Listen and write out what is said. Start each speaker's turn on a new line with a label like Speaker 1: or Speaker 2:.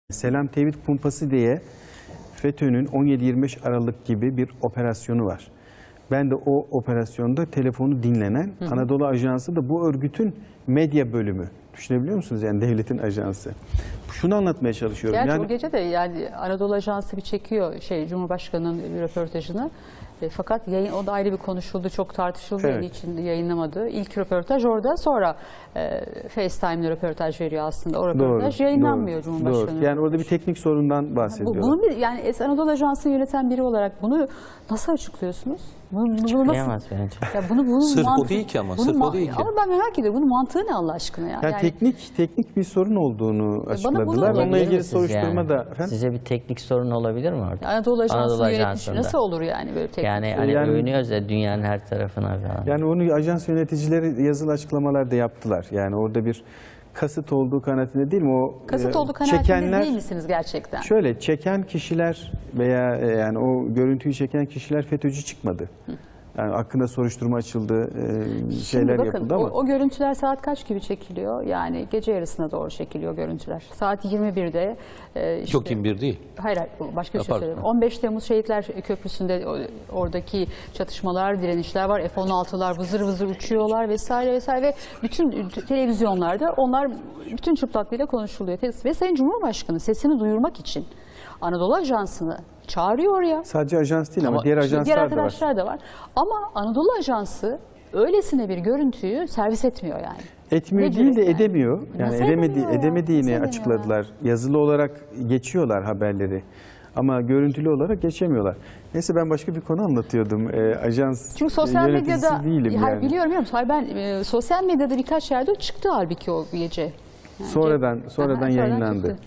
Speaker 1: Selam Tevhid Kumpası diye FETÖ'nün 17-25 Aralık gibi bir operasyonu var. Ben de o operasyonda telefonu dinlenen Anadolu Ajansı da bu örgütün medya bölümü. Düşünebiliyor musunuz? Yani devletin ajansı. Şunu anlatmaya çalışıyorum.
Speaker 2: Gerçi
Speaker 1: yani,
Speaker 2: o gece de yani Anadolu Ajansı bir çekiyor Cumhurbaşkanı'nın bir röportajını. Fakat yayın, o da ayrı bir konuşuldu, çok tartışıldı,
Speaker 1: evet.
Speaker 2: için yayınlamadı. İlk röportaj orada, sonra FaceTime'le röportaj veriyor aslında. O röportaj yayınlanmıyor Cumhurbaşkanı.
Speaker 1: Doğru. Yani orada bir teknik sorundan bahsediyorlar.
Speaker 2: Bunu yani Anadolu Ajansı'nı yöneten biri olarak bunu nasıl açıklıyorsunuz?
Speaker 3: Açıklayamaz bence.
Speaker 2: Ya bunu
Speaker 4: sırf
Speaker 2: mantığı,
Speaker 4: o değil ki ama, sırf o değil ki.
Speaker 2: Ama ben merak ediyorum, bunun mantığı ne Allah aşkına ya?
Speaker 1: Yani teknik bir sorun olduğunu açıkladılar. Onunla ilgili soruşturma da... Efendim?
Speaker 3: Sizce bir teknik sorun olabilir mi orada?
Speaker 2: Anadolu Ajansı'nı yönetmiş nasıl olur yani böyle teknik?
Speaker 3: Yani hani övünüyoruz ya dünyanın her tarafına falan.
Speaker 1: Yani onu ajans yöneticileri yazılı açıklamalar da yaptılar. Yani orada bir kasıt olduğu kanaatinde değil mi? O
Speaker 2: kasıt olduğu kanaatinde değil misiniz gerçekten?
Speaker 1: Şöyle, çeken kişiler veya yani o görüntüyü çeken kişiler FETÖ'cü çıkmadı. Yani hakkında soruşturma açıldı, şeyler
Speaker 2: bakın,
Speaker 1: yapıldı ama.
Speaker 2: O görüntüler saat kaç gibi çekiliyor? Yani gece yarısına doğru çekiliyor görüntüler. Saat 21'de.
Speaker 4: Yok 21 değil.
Speaker 2: Hayır, başka bir şey söyleyeyim. 15 Temmuz Şehitler Köprüsü'nde oradaki çatışmalar, direnişler var. F-16'lar vızır vızır uçuyorlar vesaire vesaire. Ve bütün televizyonlarda onlar bütün çıplaklığıyla konuşuluyor. Ve Sayın Cumhurbaşkanı sesini duyurmak için Anadolu Ajansı'nı çağırıyor oraya.
Speaker 1: Sadece ajans değil ama diğer ajanslar
Speaker 2: diğer
Speaker 1: da
Speaker 2: arkadaşlar da var. Ama Anadolu Ajansı öylesine bir görüntüyü servis etmiyor yani.
Speaker 1: Etmiyor değil de edemiyor. Yani
Speaker 2: Nasıl
Speaker 1: edemediğini
Speaker 2: Nasıl
Speaker 1: açıkladılar. Yazılı olarak geçiyorlar haberleri. Ama görüntülü olarak geçemiyorlar. Neyse, ben başka bir konu anlatıyordum. Ajans
Speaker 2: Çünkü sosyal medyada
Speaker 1: değilim yani.
Speaker 2: biliyorum. Hayır, ben sosyal medyada birkaç yerde çıktı halbuki o gece. Yani
Speaker 1: Sonradan yayınlandı.
Speaker 2: çıktı.